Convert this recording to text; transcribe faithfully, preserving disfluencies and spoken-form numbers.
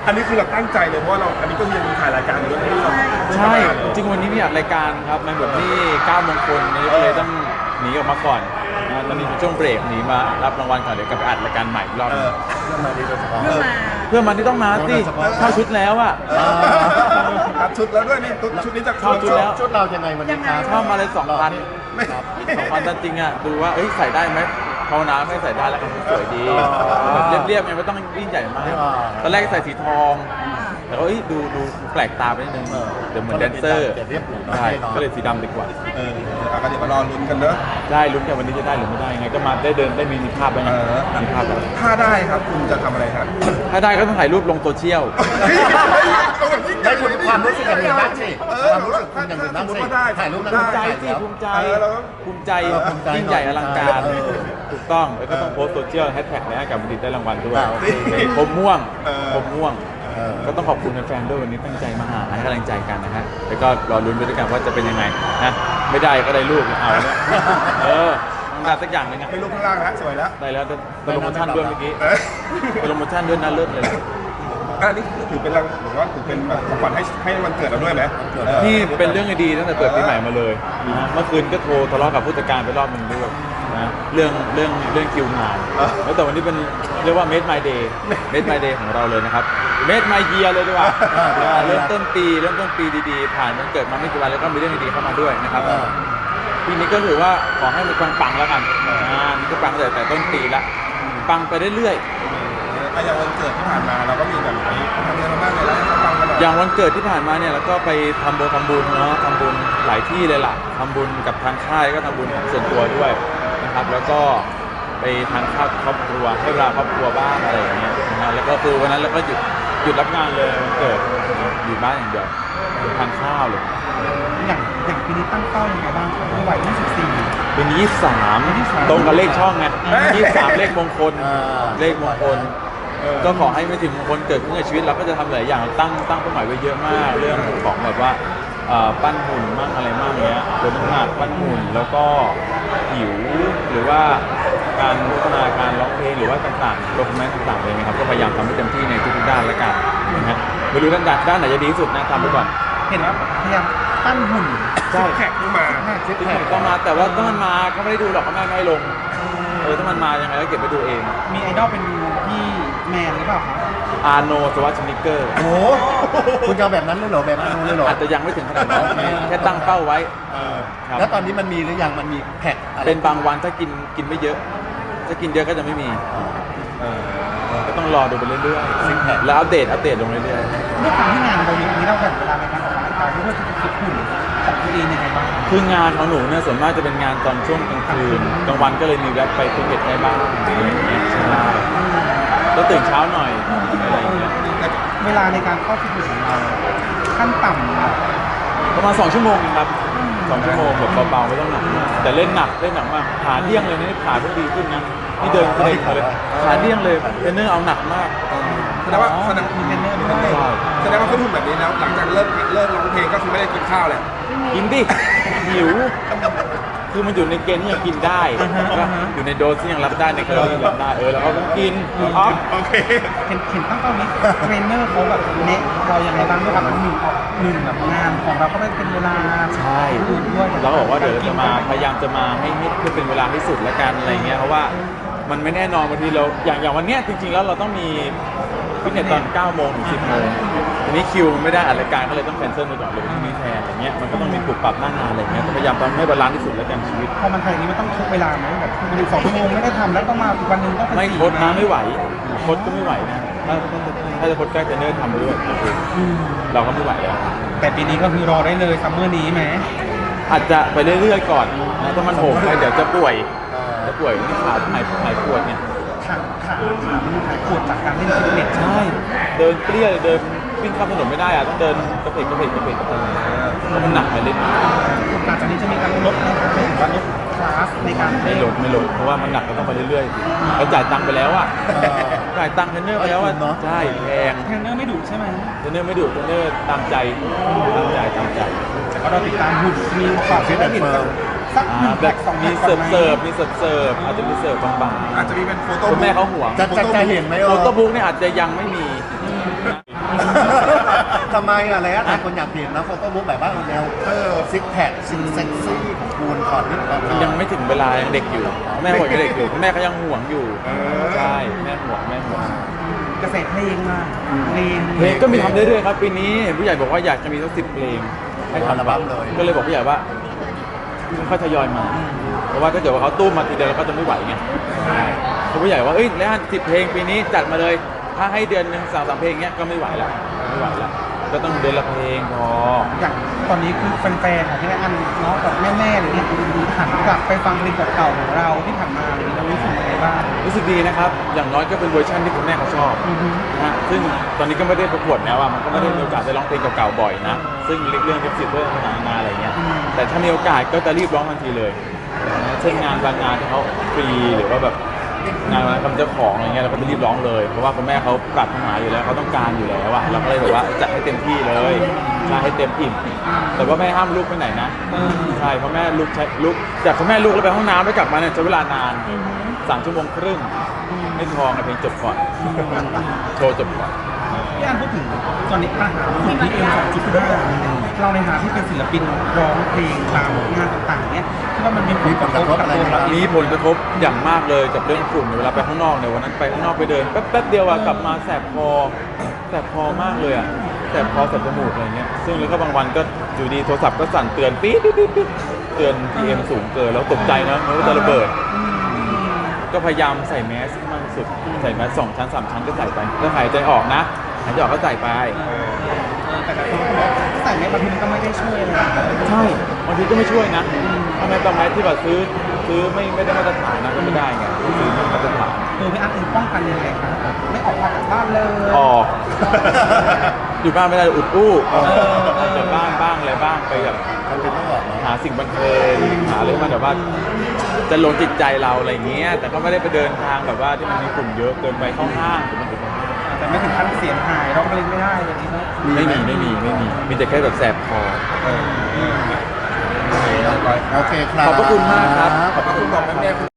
อันนี้คือเราตั้งใจเลยเพราะว่าเราอันนี้ก็ยังมีถ่ายรายการอยู่ด้วยที่เราใช่จริงวันนี้พี่อัดรายการครับในบทที่เก้ามงคลนี้ก็เลยต้องหนีออกมาก่อนนะตอนนี้เป็นช่วงเบรกหนีมารับรางวัลก่อนเดี๋ยวกลับไปอัดรายการใหม่อีกรอบเอนึองเพื่อมาดีโดยเฉพาะเพื่อมาเพื่อนมันที่ต้องมาสิเข้าชุดแล้วอะตัดชุดแล้วด้วยนี่ชุดนี้จะเข้าชุดแล้วชุดเรายังไงวันนี้ครับเข้ามาเลยสองพันครับสองพันจริงๆอะดูว่าเอ้ยใส่ได้ไหมภาวนาไม่ใส่ได้แล้วกันสวยดีแบบเรียบๆไงไม่ต้องยิ่งใหญ่มากตอนแรกใส่สีทองแต่ก็เอ้ยดูดูแปลกตาไปนิดนึงเดี๋ยวเหมือนแดนเซอร์ใช่ก็เลยสีดำดีกว่าเอออ่ะก็เดี๋ยวมารอลุ้นกันเนอะได้ลุ้นกันวันนี้จะได้หรือไม่ได้ยังไงก็มาได้เดินได้มีภาพไปเออมีภาพแล้วถ้าได้ครับคุณจะทำอะไรครับถ้าได้ก็ต้องถ่ายรูปลงโซเชียลได้คุณความรู้สึกอย่างอื่นบ้างสิความรู้สึกคุณอย่างอื่นบ้างสิถ่ายรูปนั้นภูมิใจถ่ายสิแล้วภูมิใจเออเราก็ภูมิใจเออภูมิใจยิ่งใหญ่อลังการเออถูกต้องแล้วก็ต้องโพสต์โซเชียลแฮชแท็กนะกับบัณฑิตได้รางวัลด้วยอ่าโอเคผมม่วงเออผมม่วงเออก็ต้องขอบคุณแฟนๆด้วยวันนี้ตั้งใจมาหาให้กำลังใจกันนะฮะแล้วก็รอลุ้นไปด้วยกันว่าจะเป็นยังไงนะไม่ได้ก็ได้รูปเอาเนี่ยเออต้องได้สักอย่างหนึงอะไม่รู้ข้างล่างแล้วสวยแล้วได้แล้วแต่โปรโมชั่นด้วยเมื่อกี้เออโปรโมชั่นด้วยน่าเลิศเลยแหละอันนี้ถือเป็นรางหรือว่าถือเป็นแบบของขวัญให้ให้วันเกิดเราด้วยไหมออนี่เป็นเรื่องดีๆตั้งแต่เปิดปีใหม่มาเลยนะเมื่อคืนก็โทรทะเลาะกับผู้จัดการไปรอบหนึ่งด้วยนะเรื่องเรื่องเรื่องคิวงานแล้วแต่วันนี้เป็นเรียกว่า Made My Day Made My Day ของเราเลยนะครับ Made My Year เลยดีกว่าเริ่มต้นปีเริ่มต้นปีดีๆ ผ่านวันเกิดมาไม่กี่วันแล้วก็มีเรื่องดีๆเข้ามาด้วยนะครับเออปีนี้ก็ถือว่าขอให้มันปังๆแล้วกันอ่านี่ก็ปังแต่แต่ต้นปีละปังไปเรื่อยๆอ่ะอย่างวันเกิดที่ผ่านมาเราก็มีแบบนี้ทำอะไรมาบ้างเลยแล้วให้เขาฟังกันหน่อยอย่างวันเกิดที่ผ่านมาเนี่ยเราก็ไปทำบุญทำบุญเนาะทำบุญหลายที่เลยล่ะทำบุญกับทางค่ายก็ทำบุญส่วนตัวด้วยนะครับ แล้วก็ไปทานข้าวกับครอบครัวให้เวลาครอบครัวบ้างอะไรอย่างเงี้ยนะฮะแล้วก็คือวันนั้นเราก็หยุดหยุดรับงานเลยวันเกิดอยู่บ้านอย่างเดียวทานข้าวเลยอย่างอย่างปีนี้ตั้งเป้ายังไงบ้างครับวัยยี่สิบสี่เป็นยี่สิบสามยี่สิบสามตรงกับเลขช่องไงเฮ้ยยี่สิบสามเลขมงคลอ่าเลขมงคล ก็ขอให้ไม่ถึงมงคลเกิดขึ้นในชีวิตเราก็จะทำหลายอย่างตั้งตั้งเป้าหมายไว้เยอะมาก เรื่องของแบบว่าเอ่อปั้นหุ่นมั่งอะไรมั่งเงี้ยลดน้ำหนักปั้นหุ่นแล้วก็หิวหรือว่าการพัฒนาการร้องเพลงหรือว่าต่างๆโดคุเมนต์ต่างๆเลยนะครับก็พยายามทำให้เต็มที่ในทุกๆด้านแล้วกันนะฮะไม่รู้ด้านด้านไหนจะดีที่สุดนะทำไปก่อนเห็นว่าพยายามปั้นหุ่นใช่แขกที่มาซิกที่แพผคมต้องมาแต่ว่าถ้ามันมาก็ไม่ได้ดูหรอกเขาไม่ให้ลงเออถ้ามันมายังไงก็เก็บไปดูเองมีไอดอลเป็นพี่แมนหรือเปล่าครับอาโนสวัสดิเกอร์โอ้โหคุณจะเอาแบบนั้นเลยเหรอแบบนั้นเลยเหรออาจจะยังไม่ถึงขนาดนั้นแค่ตั้งเป้าไว้เออครับแล้วตอนนี้มันมีหรือยังมันมีแพ็คอะไรเป็นบางวันถ้ากินกินไม่เยอะ ถ้ากินเยอะก็จะไม่มีก็ต้องรอดูไปเรื่อยๆแล้วอัปเดตอัปเดตลงเรื่อยด้วยความที่งานเราเยอะนี้เราแบ่งเวลาในการออกกำลังกายด้วยที่จะคิดหุ่นของตัวเองยังไงบ้างๆคืองานของหนูเนี่ยส่วนมากจะเป็นงานตอนช่วงกลางคืนกลางวันก็เลยมีแวะไปฟิตเนสได้บ้างอะไรอย่างเงี้ยใช่ก็ตื่นเช้าหน่อยอะไรอย่างเงี้ยเวลาในการเข้าฟิตเนสของเราขั้นต่ำนะประมาณสองชั่วโมงเองครับสองชั่วโมงแบบเบาๆไม่ต้องหนักมากแต่เล่นหนักเล่นหนักมากขาเดี้ยงเลยนะนี่ขาเพิ่งดีขึ้นนะนี่เดินเดินมาเลยขาเดี้ยงเลยเทรนเนอร์เอาหนักมากแสดงว่าแสดงมีเทรนเนอร์ด้วยใช่แสดงว่าเขาทุ่มแบบนี้แล้วหลังจากเลิกเลิกร้องเพลงก็คือไม่ได้กินข้าวเลยกินดิหิว คือมันอยู่ในเกณฑ์ที่ยังกินได้ก็อยู่ในโดสที่ยังรับได้ในแคลอรี่ที่รับได้เออแล้วเราต้องกินออฟโอเคเห็นเห็นตั้งเป้านี้เทรนเนอร์เขาแบบเนะเรายังไงบ้างด้วยครับหนึ่งหนึ่งแบบงานของเราก็ไม่เป็นเวลาใช่อื่นด้วยเราก็บอกว่าเดี๋ยวจะมาพยายามจะมาให้ให้ให้เป็นเวลาที่สุดละกันอะไรเงี้ยเพราะว่ามันไม่แน่นอนบางทีเราอย่างอย่างวันเนี้ยจริงๆแล้วเราต้องมีฟิตเนสตอนเก้าโมงถึงสิบโมงทีนี้คิวมันไม่ได้อัดรายการก็เลยต้องแคนเซิลไปก่อนเลยที่นี้แทนอะไรเงี้ยมันก็ต้องมีปรับปรับหน้างานอะไรเงี้ยก็พยายามทำให้บาลานซ์ที่สุดแล้วกันชีวิตพอมันทำอย่างนี้มันต้องทุกเวลาไหมแบบคุณอยู่สองชั่วโมงไม่ได้ทำแล้วต้องมาอีกวันหนึ่งต้องเป็นไม่สี่โคดนะไม่ไหวโคดก็ไม่ไหวนะถ้าถ้าจะโคดใกล้เทรนเนอร์ทำด้วยเราก็ไม่ไหวแล้วแต่ปีนี้ก็คือรอได้เลยซัมเมอร์นี้ไหมอาจจะไปเรื่อยๆก่อนนะถ้ามันโหมไปเดี๋ยวจะป่วยจะป่วยที่ขาหายหายปวดเนี่ยขาขาขามันหายปวดจากการเล่นฟิตเนสใช่เดินเปรี้ยเดินวิ่งข้ามถนนไม่ได้อะต้องเดินกระเพกกระเพกกระเพกกระเพกเพราะมันหนักไปเล่นหลังจากนี้จะมีการลดนะครับหรือว่าลดคลาสในการไม่เล่นลดไม่ลดเพราะว่ามันหนักก็ต้องไปเรื่อยๆเราจ่ายตังค์ไปแล้วอ่ะจ่ายตังค์เทรนเนอร์ไปแล้วอ่ะใช่แพงเทรนเนอร์ไม่ดุใช่ไหมเทรนเนอร์ไม่ดุเทรนเนอร์ตามใจตามใจตามใจแต่ก็เราติดตามหุ่นมีฝากฟิตเนสสักหนึ่งแบแพ็บคสองมีแพ็คเสิร์ฟก่เสิอนร์ฟไหมมีเสิร์ฟเสิร์ฟอาจจะมีเสิร์ฟบางอาจจะมีเป็นโฟๆโต้คุณแม่เขาห่วงจะจะจะเห็นไหมเอโฟอโต้บุ๊กเนี่ยอาจจะยังไม่มีอทำไมอะไรอะแต่คนอยากเห็นนะโฟโต้บุ๊กแบบว่าแนวเออซิกแพคซิกเซ็กซี่ของคุณก่อนที่แบบยังไม่ถึงเวลายังเด็กอยู่ แม่ห่วงยังเด็กอยู่แม่ก็ยังห่วงอยู่ใช่แม่ห่วงแม่ห่วงกระแสเพลงมาเพลงเพลงก็มีทำเรื่อยๆครับปีนี้เห็นผู้ใหญ่บอกว่าอยากจะมีสักสิบเพลงให้อัลทำบั้มเลยก็เลยบอกผู้ใหญ่ว่าค่อยทยอยมาเพราะว่าถ้าเกิดว่าเขาตู้มมาทีเดียวเราก็จะไม่ไหวไงเขาผู้ใหญ่ว่าเอ้ยแล้วสิบเพลงปีนี้จัดมาเลยถ้าให้เดือนหนึ่งสามสามเพลงเงี้ยก็ไม่ไหวแล้วไม่ไหวแล้วก็ต้องเดือนละเพลงพออย่างตอนนี้คือแฟนๆของพี่แม่อันเนาะแบบแม่ๆอะไรเงี้ยหันกลับไปฟังเพลงเก่าๆของเราที่ผ่านมาอะไรเงี้ยเรารู้สึกยังไงบ้างรู้สึกดีนะครับอย่างน้อยก็เป็นเวอร์ชันที่คุณแม่เขาชอบอือฮึนะฮะซึ่งตอนนี้ก็ไม่ได้ประกวดแล้วอ่ะมันก็ไม่ได้มีโอกาสได้ร้องเพลงเก่าๆบ่อยนะซึ่งเรื่องลิขสิทธิ์เรื่องนานาอะไรเงี้ยแต่ถ้ามีโอกาสก็จะรีบร้องทันทีเลยนะเช่นงานบางงานที่เขาฟรีหรือว่าแบบงานคำเจ้าของอะไรเงี้ยเราก็จะรีบร้องเลยเพราะว่าคุณแม่เขาปรารถนาอยู่แล้วเขาต้องการอยู่แล้วอะเราก็เลยแบบว่าจัดให้เต็มที่เลยใช่ให้เต็มอิ่มแต่ว่าแม่ห้ามลูกไปไหนนะใช่เพราะแม่ลูกใช้ลูกจากคุณแม่ลูกแล้วไปห้องน้ำแล้วกลับมาเนี่ยใช้เวลานานสามชั่วโมงครึ่งไม่ทองนะเพลงจบก่อนโชว์จบก่อนพี่อันพูดถึงตอนนี้ปัญหาของที่เอ็มสองจุดห้าเราในฐานะที่เป็นศิลปินร้องเพลงตามงานต่างๆเนี้ยคิดว่ามันมีผลกระทบกับตัวเราเองมีผลกระทบอย่างมากเลยกับเรื่องฝุ่นเวลาไปข้างนอกเนี่ยวันนั้นไปข้างนอกไปเดินแป๊บแป๊บเดียวอะกลับมาแสบคอแสบคอมากเลยอะแสบคอแสบจมูกอะไรเงี้ยซึ่งแล้วก็บางวันก็อยู่ดีโทรศัพท์ก็สั่นเตือนปี๊ดปี๊ดปี๊ดปี๊ดเตือน พี เอ็ม สูงเกินแล้วตกใจนะมันก็จะระเบิดก็พยายามใส่แมสให้มากที่สุดใส่แมสสองชั้นสามชั้นก็ใส่ไปถ้าหายใจออกนะหายใจออกก็ใส่ไปแต่แต่ใส่ไม่บางทีมันก็ไม่ได้ช่วยอะไรใช่บางทีก็ไม่ช่วยนะทำไมบางแมสที่แบบซื้อซื้อไม่ไม่ได้มาตรฐานนะก็ไม่ได้ไงซื้อไม่มาตรฐานตัวพี่อันเองป้องกันยังไงครับไม่ออกมาจากบ้านเลยออก อยู่บ้านไม่ได้อุดอู้ออกจากบ้านบ้างอะไรบ้างไปแบบมันเป็นต้องบอกเนาะหาสิ่งบันเทิงหาอะไรมาแบบว่าจะลงจิตใจเราอะไรเงี้ยแต่ก็ไม่ได้ไปเดินทางแบบว่าที่มันมีกลุ่มเยอะเกินไปเข้าห้างหรือมันแต่ไม่ถึงขั้นเสียงหายร้องเพลงไม่ได้อย่างนี้เนาะไม่มีไม่มีไม่มีมีแต่แค่แบบแสบคอโอเคครับขอบพระคุณมากครับขอบพระคุณบอกแม่